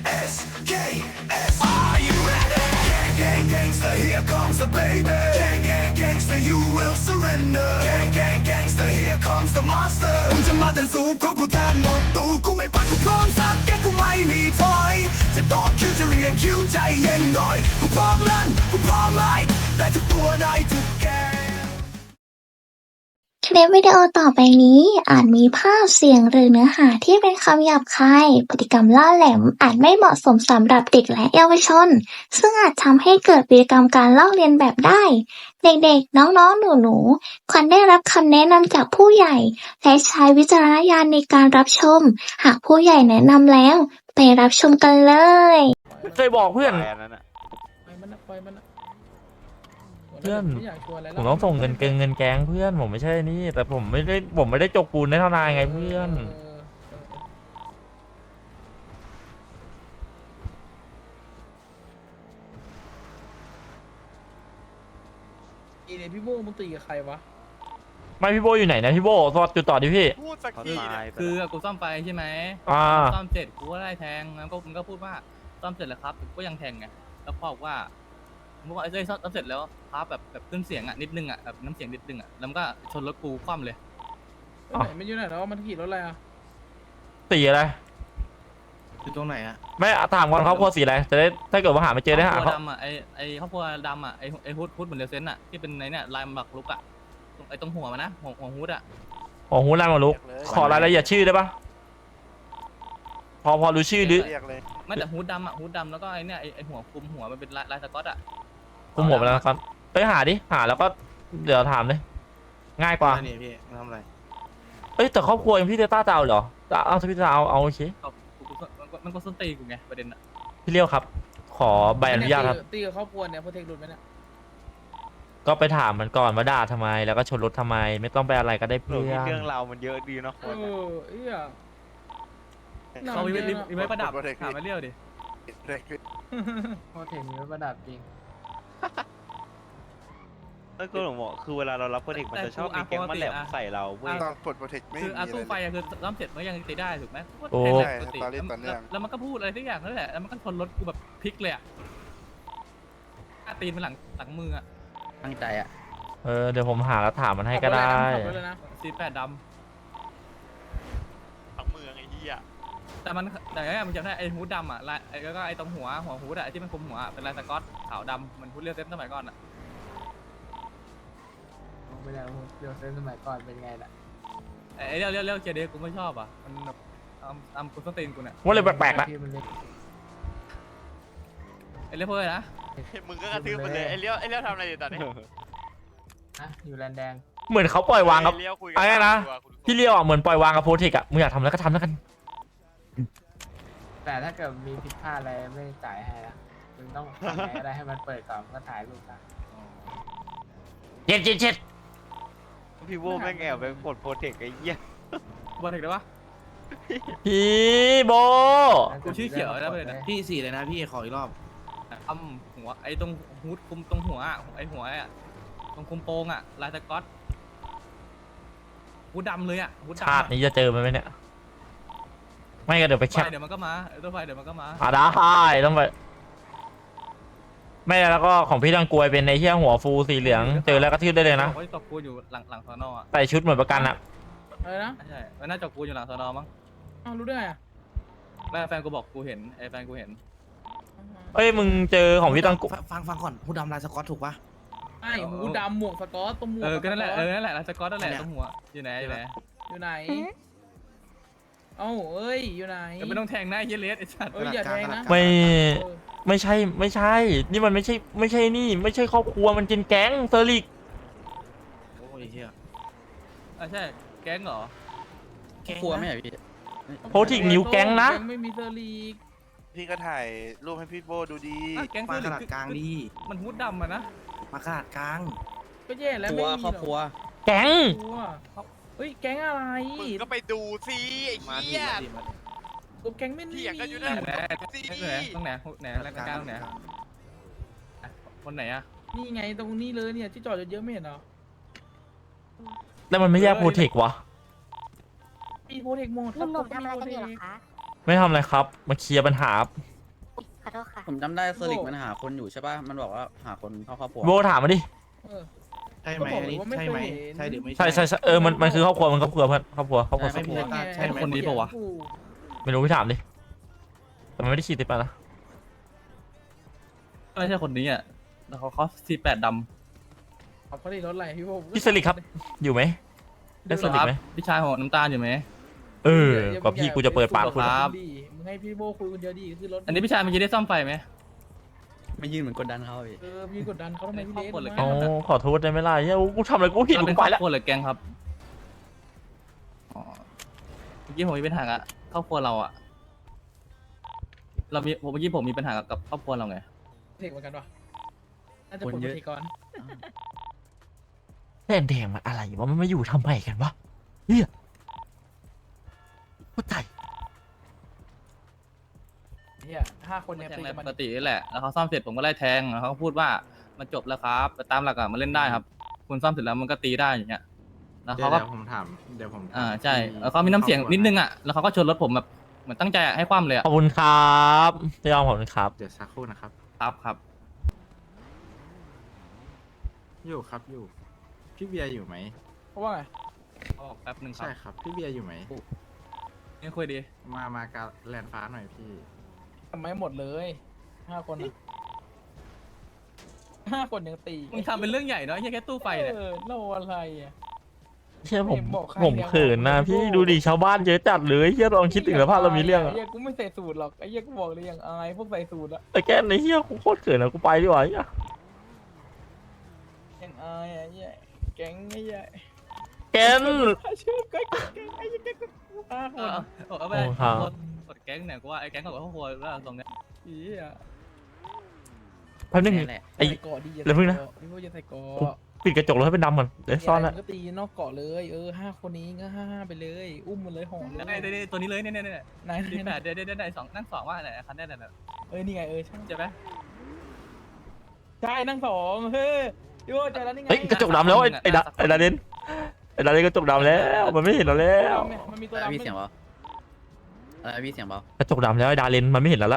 S K S Are you ready? Gang gangster, here comes the baby. Gang gangster, you will surrender. Gang gangster, here comes the master. มึงจะมาแต่สู้เพราะกูแทนหมดตู้กูไม่ปัดกูพร้อมสักแกกูไม่มีถอยจะตอบคิวจะเรียนคิวใจเย็นหน่อยกูพร้อมลั่นกูพร้อมไล่แต่ทุกตัวได้ทุกแกคลิปวิดีโอต่อไปนี้อาจมีภาพเสียงหรือเนื้อหาที่เป็นคำหยาบคายพฤติกรรมล่าแหลมอาจไม่เหมาะสมสำหรับเด็กและเยาวชนซึ่งอาจทำให้เกิดพฤติกรรมการลอกเลียนแบบได้เด็กๆน้องๆหนูๆควรได้รับคำแนะนำจากผู้ใหญ่และใช้วิจารณญาณในการรับชมหากผู้ใหญ่แนะนำแล้วไปรับชมกันเลยเคยบอกเพื่อนไปมันนะไปมันนะเพื่อนไม่อยากชวนอะไรแล้วผมต้องส่งเงินแก๊งเพื่อนผมไม่ใช่นี่แต่ผมไม่ได้จกปูนในทนายไงเพื่อนอีเนี่ยพี่โบมึงตีกับใครวะไม่พี่โบอยู่ไหนนะพี่โบสวัสดีต่อดิพี่พูดสักทีเนี่ยคือกูซ่อมไฟใช่ไหม ซ่อมเสร็จกูก็ได้แทงแล้วก็มึงก็พูดว่าซ่อมเสร็จแล้วครับก็ยังแทงไงแล้วพ่อบอกว่ามึงบอกไอ้เจ้ยซ่อมเสร็จแล้วครับแบบขึ้นเสียงอ่ะนิดนึงอ่ะแบบน้ำเสียงนิดนึงอ่ะแล้วมันก็ชนรถกูคว่ำเลยไหนมันอยู่ไหนแล้วมันขี่รถอะไรอ่ะสีอะไรอยู่ตรงไหนอ่ะไม่ถามก่อนครอบครัวสีอะไรจะได้ถ้าเกิดว่าหาไม่เจอได้หาครอบครัเขาวดำอ่ะไอ้ครอบครัวดำอ่ะไอ้ฮูดเหมือนเดลเซนอ่ะที่เป็นในเนี่ยลายหมักลุกอ่ะไอ้ตรงหัวมันนะหัวฮูดอ่ะโอ้โหลายมาลุกขอรายละเอียดชื่อได้ปะพอรู้ชื่อหรือเรียกเลยไม่แต่ฮูดดำอ่ะฮูดดำแล้วก็ไอ้เนี่ยไอ้หัวคลุมหัวมันเป็นลายสก๊อตอ่ะคุมหัวไปแล้วนะครับไปหาดิหาแล้วก็เดี๋ยวถามเลยง่ายกว่านี่พี่ทำอะไรเอ้ยแต่ครอบครัวยังพี่เตต้าจะเอาเหรอเอาถ้าพี่จะเอาโอเคมันก็ส้นตีกูไงประเด็นอ่ะพี่เลี้ยวครับ ขอใบอนุญาตครับตีกับครอบครัวเนี่ยโปรเทคหลุดไหมเนี่ยก็ไปถามมันก่อนว่าด่าทำไมแล้วก็ชนรถทำไมไม่ต้องไปอะไรก็ได้เรื่เพื่อนองราวมันเยอะดีเนาะคนเอี้ยเขามีไว้ประดับถามมาเรียวดิโปรเทคมีไว้ประดับจริงแล้วก็หลงบอกคือเวลาเรารับโปรเทคมันจะชอบมีแก๊งมันแหลมใส่เราเว้ยตอนกดโปรเทคไม่คืมีออะไรตู้ไฟคือซ่อมเสร็จมันยังตีได้ถูกไหมโอ้ใช่สตอรี่ต่อเนื่องแล้วมันก็พูดอะไรทุกอย่างนั่นแหละแล้วมันก็ชนรถกูแบบพลิกเลยอ่ะตีนมันหลังมืออ่ะตั้งใจอ่ะเดี๋ยวผมหาแล้วถามมันให้ก็ได้ขับรถเลยนะ C8 ดทั้งเมืองไอ้เหี้ยำแต่เนี่ยมันจำได้ไอ้ฮูดดำอ่ะลายแล้วก็ไอ้ตรงหัวฮูดอ่ะที่มันคลุมหัวเป็นลายสก๊อตขาวดำมันฮูดเรียวเซนสมัยก่อนอ่ะไม่ได้เดี๋ยวเส้นสมัยก่อนเป็นไงล่ะไอ้เรียวเจเดกูไม่ชอบอ่ะมันแบบทำกูส้นตีนกูเนี่ยว่าเลยแปลกๆนะไอ้เรียวเพื่อนนะมึงก็กระทืบมันเลยไอ้เลี้ยวทำอะไรอยู่ตอนนี้อยู่แลนแดงเหมือนเขาปล่อยวางกับเลี้ยวคุยกัอะไรนะพี่เลี้ยวอ่ะเหมือนปล่อยวางกับโพธิกอ่ะมึงอยากทำแล้วก็ทำแล้วกันแต่ถ้าเกิดมีผิดพลาดอะไรไม่จ่ายให้นะมึงต้องทำไงก็ได้ให้มันเปิดก่อนก็ถ่ายรูปกันเจ็ดพี่โว้แม่งแอบไปกดโปรเทคไอ้เหี้ยบอลถึงได้ปะพี่โบกูชื่อเขียวนะเลยนะพี่สี่เลยนะพี่ขออีกรอบทำหัวไอ้ตรงฮูดคุมตรงหัวอ่ะไอ้หัวอ่ะตรงคุมโปงอ่ะลายสก๊อตฮูดดำเลยอ่ะฮูดดำชาตินี้จะเจอมันไหมเนี่ยไม่ก็เดี๋ยวไปแคปเดี๋ยวมันก็มาตัวไฟเดี๋ยวมันก็มาได้ต้องไปไม่แล้วก็ของพี่ตังกวยเป็นในเที่ยหัวฟูสีเหลืองเจอแล้วก็ทืบได้เลยนะเขาจะตบกูอยู่หลังสอนอ่ะใส่ชุดเหมือนประกันอ่ะอะไรนะใช่มันน่าจะกูอยู่หลังสอนอมั้งอ้าวรู้ได้ไงอ่ะแม่แฟนกูบอกกูเห็นไอ้แฟนกูเห็นเอ้ยมึงเจอของพี่ตังกวยฟังก่อนผู้ดำลายสกอตถูกปะไอ้หูดำหมวกสก๊อตตัวหมวกก็นั่นแหละนั่นแหละลายสก๊อตนั่นแหละตรงหัวอยู่ไหนอยู่ไหนเอ้าเอ้ยอยู่ไหนก็ไม่ต้องแทงหน้าเยเลสไอ้สัตว์เอ้ยอย่าแทงนะไม่ใช่นี่มันไม่ใช่นี่ไม่ใช่ครอบครัวมันเป็นแก๊งเซอร์ลิกโอ้ยเฮียใช่แก๊งเหรอครัวไม่ใช่พี่โพธิกนิ้วแก๊งนะไม่มีเซอร์ลีกพี่ก็ถ่ายรูปให้พี่โบดูดีแก๊งมาคือขนาดกลางดีมันฮูดดำอะนะมาขนาดกลางก็แย่แล้วครัไม่วมีครอบครัวแก๊งเฮ้ยแก๊งอะไรมึงก็ไปดูสิไอ้เหี้ยตัวแก๊งไม่มีเถียงกันอยู่ไหนั่นนตรงไหนแล้วกลางตรงไหนคนไหนอะนี่ไงตรงนี้เลยเนี่ยที่จอดเยอะๆไม่เห็นเหรอแล้วมันไม่แยกโพธิกวะมีโปรเทคโหมดหนุ่มๆทำอะไรกันอยู่เหรอคะไม่ทำอะไรครับมาเคลียร์ปัญหาอโทษค่ะผมจำได้เซอร์ลิกมันหาคนอยู่ใช่ป่ะ มันบอกว่าหาคนเข้าครอบครัวโบถามมาดิใช่ไหมอันนี้ใช่ไหมใช่หรือไม่ใช่ใช่ใช่มันคือครอบครัวมันครอบครัวเพื่อนครอบครัวครอบครัวไม่ใช่ใช่คนนี้ปะวะไม่รู้พี่ถามดิแต่มันไม่ได้ขี่ติดไปนะไม่ใช่คนนี้อ่ะแล้วเขาC8ดำเขาได้รถอะไรพี่โบพี่สลิกครับอยู่ไหมได้สลิกไหมพี่ชายหัวน้ำตาลอยู่ไหมกับพี่กูจะเปิดปากคุณครับมึงให้พี่โบคุยคนเดียวดีคือรถอันนี้พี่ชายเมื่อกี้ได้ซ่อมไฟไหมไม่ยืนเหมือนกดดันเขาพี่พี่กดดันเขาทำไมพี่เล็กครอบครัวเลยอ๋อขอโทษได้ไหมล่ะเฮ้ยกูทำอะไรกูผิดเรากูเป็นคไปรอบแล้วครัวหรือแก๊งครับอ๋อเมื่อกี้ผมมีปัญหากับครอบครัวเราอ่ะเมื่อกี้ผมมีปัญหากับครอบครัวเราไงเทคเหมือนกันปะน่าจะปกติก่อนแดงมันอะไรวะมันมาอยู่ทำไมกันวะเฮียกูตายเนี่ย5 คนเนี่ยแทงตีอะไรกันปมันกตินี่แหละแล้วเขาซ่อมเสร็จผมก็ไล่แทงแล้วเขาก็พูดว่ามันจบแล้วครับแต่ตามหลักอะมันเล่นได้ครับ คุณซ่อมเสร็จแล้วมันก็ตีได้อย่างเงี้ยแล้วเขาก็ผมถามเดี๋ยวผมใช่แล้วเขามีน้ำเสียงนิดนึงอ่ะแล้วเขาก็ชนรถผมแบบเหมือนตั้งใจอะให้คว่ำเลยอะขอบคุณครับพี่ยอมขอบคุณครับเดี๋ยวสักครู่นะครับครับอยู่ครับอยู่ พี่เบียร์อยู่ไหมเพราะว่าไงเขาบอกแป๊บหนึ่งครับใช่ครับ พี่เบียร์อยู่ไหมนี่คุยดีมากาแลนฟ้าหน่อยพี่ทำไมหมดเลย5 คน5 คนยังตีมึงทำเป็นเรื่องใหญ่เนาะแค่ตู้ไฟเนี่ยเราอะไรอ่ะเชื่อผมบอกใครผมเนี่ยเขินนะบอกพี่ดูดิชาวบ้านเยอะจัดเลยเฮียลองคิดถึงสภาพเรามีเรื่องอะไอ้เหี้ยกูไม่ใส่สูตรหรอกไอ้เหี้ยกูบอกเลยอย่างอายพวกใส่สูตรอะแต่แกในเฮียกูโคตรเขินนะกูไปดีกว่าเฮียอย่างอายอะไอ้เหี้ยแก๊งไอ้เหี้ยแกนชื่อแก๊งไอ้เหี้ยแก๊ง5 คนเอาไปโอ้ครับกดแก๊งเนี่ยกูว่าไอ้แก๊งกับครอบครัวแล้วตรงเนี้ยอีอ่ะแป๊บนึงนี่แหละไอ้ใส่เกาะดีอย่าเดี๋ยวพึ่งนะใส่เกาพี่โบจะใส่เกาะปิดกระจกรถให้เป็นดำก่อนเดี๋ยวซ่อนมีะละไรมึงก็ตีนอกเกาะเลย5 คนนี้ก็5ไปเลย อุ้มมันเลยห่อเลยได้ตัวนี้เลยเนี่ยนายดีแปดได้สองนั่งสองว่าไหนคันได้ไหนนี่ไงใช่ใช่ไหมใช่นั่ง2เฮ้ยพี่โบเจอแล้วนี่ไงเฮ้ยกระจกดำแล้วไอ้ดาเดนกระจกดำแล้วมันไม่เห็นเราแล้วมันมีตัวอะไรดำพี่เสียงเบาอะไรพี่เสียงเบากระจกดำแล้วไอ้ดาเลนมันไม่เห็นแล้วละ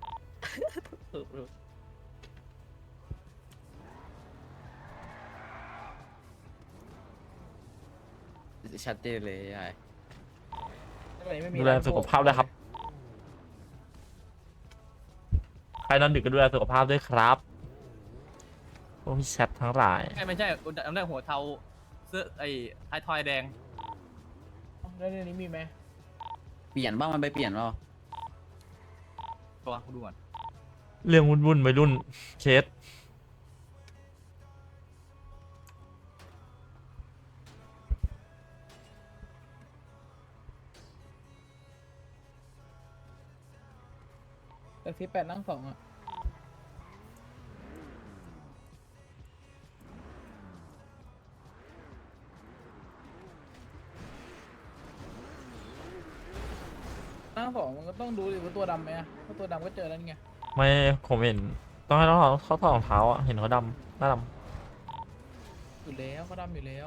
ชัดเจนเลยยายดูแลสุขภาพด้วยครับใครนอนดึกก็ดูแลสุขภาพด้วยครับพวกพี่แชททั้งหลายไม่ใช่จำได้หัวเทาเสื้อไอ้ไททอยแดงแล้วในนี้มีไหมเปลี่ยนบ้างมันไปเปลี่ยนเปล่าตัวกูดูก่อนเรื่องวุ่นๆวัยรุ่นเคสแต่18นั่ง2อ่ะนั่ง2มันก็ต้องดูดิว่าตัวดำไหมอ่ะถ้าตัวดำก็เจอแล้วไงไม่ผมเห็นต้องให้เขาถอดรองเท้าอ่ะเห็นเขาดำหน้าดอยู่แล้วก็ดำอยู่แล้ว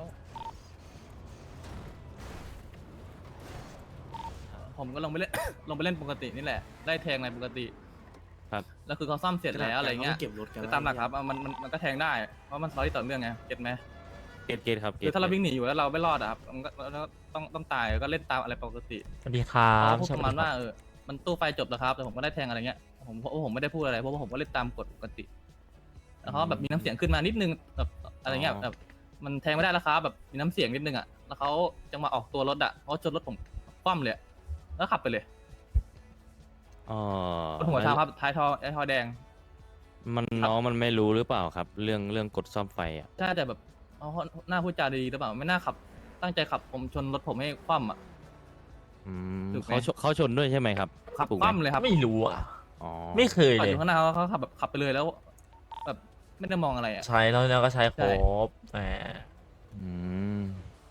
ผมก็ลงไปเล่น ลงไปเล่นปกตินี่แหละได้แทงในปกติครับแล้วคือเขาซ่อมเสร็จแล้วอะไรเงี้ยเก็บรถกันคือตามหลักครับมันก็แทงได้เพราะมันสตอรี่ต่อเนื่องไงเก็ตไหมเกตครับคือถ้าเราวิ่งหนีอยู่แล้วเราไม่รอดอะครับมันก็ต้องตายก็เล่นตามอะไรปกติำสวัสดีครัเขาบพูดประมาณว่ามันตู้ไฟจบแล้วครับแต่ผมก็ได้แทงอะไรเงี้ยผมไม่ได้พูดอะไรเพราะว่าผมก็เล่นตามกฎปกติแล้วเขาแบบมีน้ำเสียงขึ้นมานิดนึงแบบอะไรเงี้ยแบบมันแทงไม่ได้แล้วครับแบบมีน้ำเสียงนิดนึงอะแล้วเขาจังหวะออกตัวรถอะเขาชนรถผมคว่ำเลยแล้วขับไปเลยอ๋อบนหัวเท้าครับท้ายทอแดงน้องมันไม่รู้หรือเปล่าครับ เรื่องกดซ่อมไฟอ่ะน่าจะแบบเขาหน้าพูดจาดีหรือเปล่าไม่น่าขับ ตั้งใจขับผมชนรถผมให้คว่ำอ่ะ ถูกไหมเขาชนด้วยใช่ไหมครับขับถูกคไหมว่ำเลยครับไม่รู้อ่ะอ๋อไม่เคยจอดเลอย ยู่ข้างหน้าเขาขับแบบขับไปเลยแล้วแบบไม่ได้มองอะไรอ่ะใช้แล้วก็ใช้ครบแหมอืม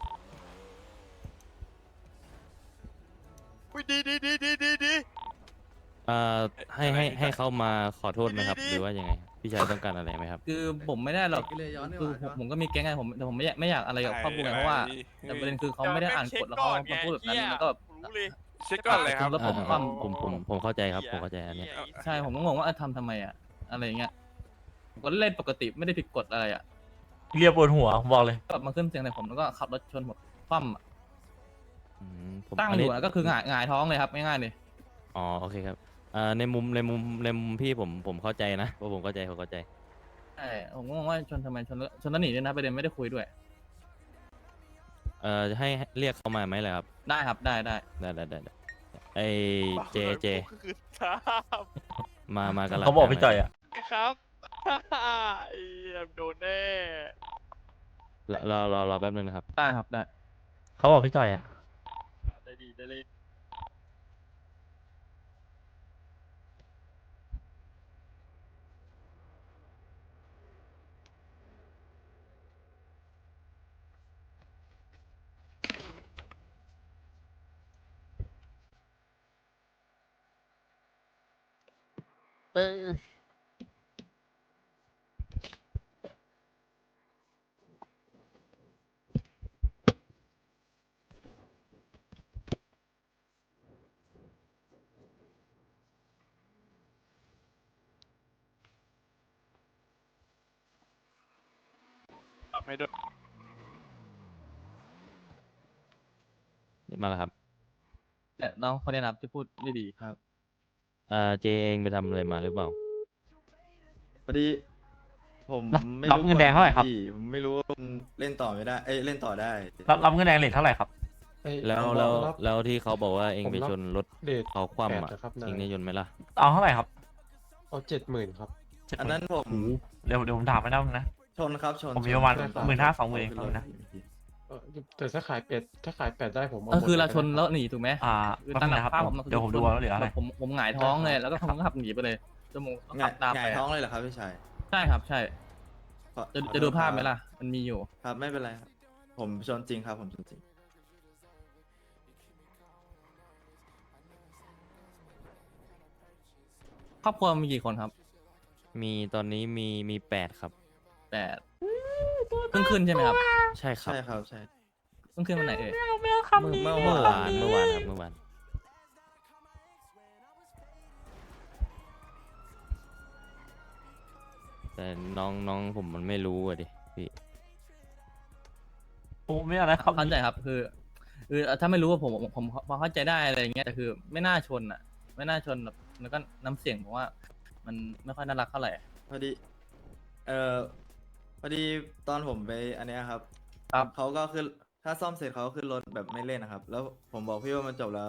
ให้เขามาขอโทษไหมครับ หรือว่ายังไง พี่ชายต้องการอะไรไหมครับคือผมไม่ได้หรอกเลยย้อนคือผมก็มีแก๊งไงแต่ผมไม่อยากอะไรกับครอบครัวไงเพราะว่าแต่ประเด็นคือเขาไม่ได้อ่านกฎแล้วเขามาพูดแบบนั้นแล้วก็แบบเช็คก่อนเลยครับแล้วผมคว่ผมเข้าใจครับผมเข้าใจอันเนี้ยำใช่ผมก็งงว่าทำไมอะอะไรอย่างเงี้ยผมก็เล่นปกติไม่ได้ผิดกฎอะไรอะเรียบปวดหัวบอกเลยกลับมาขึ้นเสียงใส่ผมแล้วก็ขับรถชนหมดคว่ำอะผมตั้งอันอนี้ยู่อะก็คือหงายท้องเลยครับง่ายๆเลยอ๋อโอเคครับในมุมพี่ผมเข้าใจนะว่าผมเข้าใจใช่ผมก็งงว่าชนทำไมชนแล้วหนีด้วยนะประเด็นไม่ได้คุยด้วยให้เรียกเขามาไหมล่ะครับได้ครับได้ได้ไอเจมากันเขาบอกพี่จ่อยอ่ะครับโดนแน่รอแป๊บนึงนะครับได้ครับได้เขาบอกพี่จ่อยอ่ะได้ดีได้เลย ไม่โดนมาแล้วครับแต่น้องคนนี้นะครับที่พูดไม่ดีครับเจเองไปทำอะไรมาหรือเปล่าพอดีผมรับไม่รับเงินแดงเท่าไหร่ครับพี่ผมไม่รู้ว่ามันเล่นต่อไม่ได้ เล่นต่อได้รับเงินแดงเลทเท่าไหร่ครับแล้วที่เขาบอกว่าเองไปชนรถเดทเขาคว่ำแปอ่ะดนะครับนายเองได้ยนต์ไหมล่ะเอาเท่าไหร่ครับเอา70,000ครับอันนั้นผมเดี๋ยวผมถามไปนะนะชนครับชนผมมีประมาณชน 15,000-20,000เองขึ้รถนะแต่ถ้าขายเป็ดได้ผมเอาก็คือหมดเราลยชนแล้วหนีถูกไหมแป๊บนึงนะครับภาพผมเดี๋ยวผมดูว่าเหลืออะไรผมหงายท้องเลยแล้วก็ผมก็ขับหนีไปเลยจมูกก็หขังายบตามหไปงายท้องเลยเหรอครับพี่ชายใช่ครับใช่ขอจะดูภาพไหมล่ะ มันมีอยู่ครับไม่เป็นไรครับ ผมชนจริงครับ ผมชนจริงครอบครัวมีกี่คนครับมีตอนนี้มี8 ครับ 8เพิ่งขึ้นใช่ไหมครับใช่ครับใช่ครับใช่เพิ่งขึ้นวันไหนเอ่ยเมื่อวานครับเมื่อวาน แต่น้องผมมันไม่รู้อ่ะดิพี่โอ้ไม่อะไรครับเข้าใจครับคือถ้าไม่รู้ว่าผมพอเข้าใจได้อะไรอย่างเงี้ยแต่คือไม่น่าชนอ่ะ ไม่น่าชนแบบแล้วก็น้ำเสียงผมว่า มันไม่ค่อยน่ารักเท่าไหร่พอดีพอดีตอนผมไปอันเนี้ยครับครับเขาก็ขึ้นถ้าซ่อมเสร็จเขาก็ขึ้นรถแบบไม่เล่นนะครับ แล้วผมบอกพี่ว่ามันจบแล้ว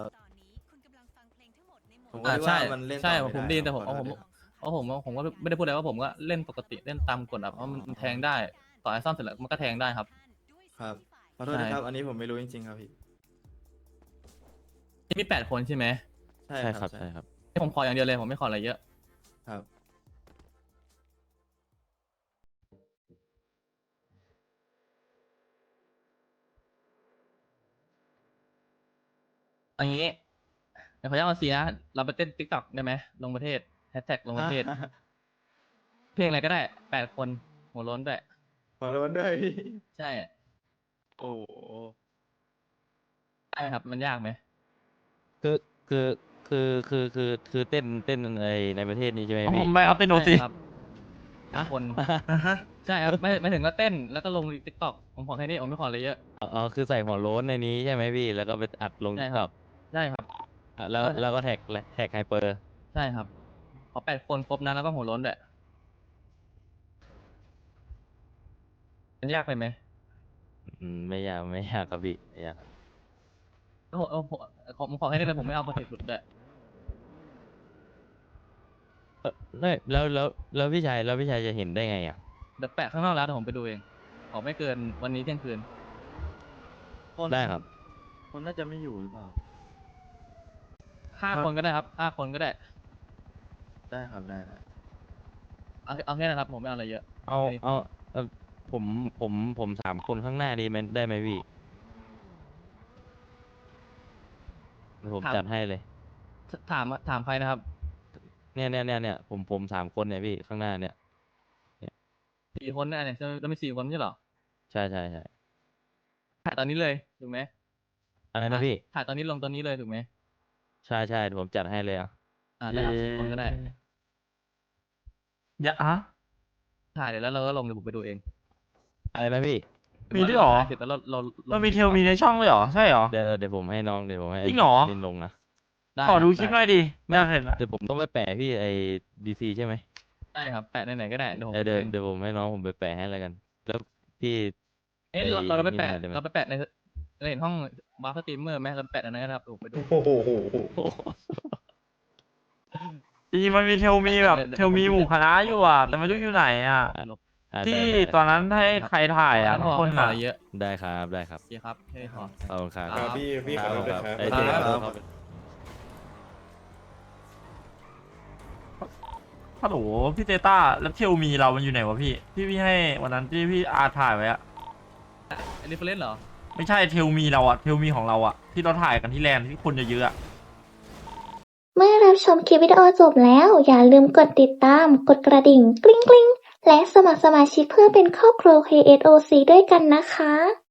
ผมก็อ่าคิดใช่ว่ามันเล่นต่อใช่ไม่ผมดีแต่ขผอมโทษผมด้วยผมก็ไม่ได้พูดอะไรว่าผมก็เล่นปกติเล่นตามกฎอะเพราะมันแทงได้ต่อให้ซ่อมเสร็จแล้วมันก็แทงได้ครับครับขอโทษใช่นะครับ อันนี้ผมไม่รู้จริงๆครับพี่ที่มี8 คนใช่ไหมใช่ใช่คครัรับบ ใช่ครับผมขออย่างเดียวเลยผมไม่ขออะไรเยอะครับอันนี้เดี๋ยวขออนุญาตเอาซีนะเราไปเต้นติ๊กต็อกได้ไหมลงประเทศแฮชแท็กลงประเทศ เพลงอะไรก็ได้8 คนหัวโล้นด้วยขอโทษด้วยพี่ใช่โอ้โหได้ไหมครับ มันยากไหมคือเต้นในประเทศนี้ใช่ไหมผพี่มไม่เอาเต้นโนซีใช่ครับคนใช่ครับไม่ถึงก็เต้นแล้วก็ลงติ๊กต็อกผมขอแค่นี้ผมไม่ขออะไรเยอะอ๋อคือใส่หัวโล้นในนี้ใช่ไหมพี่ แล้วก็ไปอัดลงใช่ติ๊กคต็รัอบ กใช่ครับแล้วก็แท็กไฮเปอร์ใช่ครับ ขอ8 คนครบนะแล้วก็หัวโล้นด้วยมันยากไปไหมไม่ยากครับพี่ไม่ยากครับผมขอแค่นี้เลยผมไม่เอาประเทศสุดด้วยไม่แล้วพี่ชายจะเห็นได้ไงอ่ะเดี๋ยวแปะข้างนอกแล้วเดี๋ยวผมไปดูเองขอไม่เกินวันนี้เที่ยงคืนได้ครับคนน่าจะไม่อยู่หรือเปล่า 5 คนก็ได้ครับ5 คนก็ได้ได้ครับได้ได้เอาแค่นั้นครับผมไม่เอาอะไรเยอะเอาผม3 คนข้างหน้าดีไหมได้ไหมพี่เดี๋ยวผมจัดให้เลยถามใครนะครับเนี่ยผม3 คนเนี่ยพี่ข้างหน้าเนี่ย 4 คนเนี่ยจะมี4 คนไม่ใช่เหรอใช่ถ่ายตอนนี้เลยถูกไหมอะไรนะพี่ถ่ายตอนนี้ลงตอนนี้เลยถูกไหมใช่ใช่เดี๋ยวผมจัดให้เลยอ่ะได้ครับคนก็ได้อย่าอะถ่ายเดี๋ยวแล้วเราก็ลงเดี๋ยวผมไปดูเองอะไรนะพี่มีด้วยเหรอเสร็จแล้วเรามันมีเทลมีในช่องเลยเหรอ ใช่เหรอเดี๋ยวผมให้น้องเดี๋ยวผมให้จริงเหรอลินลงนะได้ขอดูรับคลิปหน่อยดิไม่อยากเห็นอะเดี๋ยวผมต้องไปแปะพี่ไอ้ดีซีใช่ไหมได้ครับแปะไหนๆก็ได้เดี๋ยวผมเดี๋ยวผมให้น้องผมไปแปะให้แล้วกัน แล้วพี่เอ๊ะเราไปแปะนี่หน่อยได้ไหมเราไปแปะในห้องบาร์สตรีมเมอร์ไหมเราไปแปะในนั้นนะครับเดี๋ยวผมไปดูโอ้โหจริงๆมันมีเทลมีแบบเทลมีหมู่คณะอยู่อ่ะ แต่ไม่รู้อยู่ไหนอ่ะอ่ะที่ได้ตอนนั้นให้ใครถ่ายอ่ะพอคนไม่ขออ่ะอะไรเยอะได้ครับได้ครับโอเคครับแค่นี้พอขอบคุณครับครับพี่ขอโทษด้วยครับไอ้เจ๊ครับครับฮัลโหลพี่เตต้าแล้วเทลมีเรามันอยู่ไหนวะพี่พี่ให้วันนั้นที่พี่อาถ่ายไว้อะอันนี้เฟรนเหรอไม่ใช่เทลมีเราอะเทลมีของเราอะที่เราถ่ายกันที่แลนด์ที่คนเยอะๆอะเมื่อรับชมคลิปวิดีโอจบแล้ว อย่าลืมกดติดตาม กดกระดิ่งกริ๊งกริ๊งและสมัครสมาชิกเพื่อเป็นครอบครัว KSOC ด้วยกันนะคะ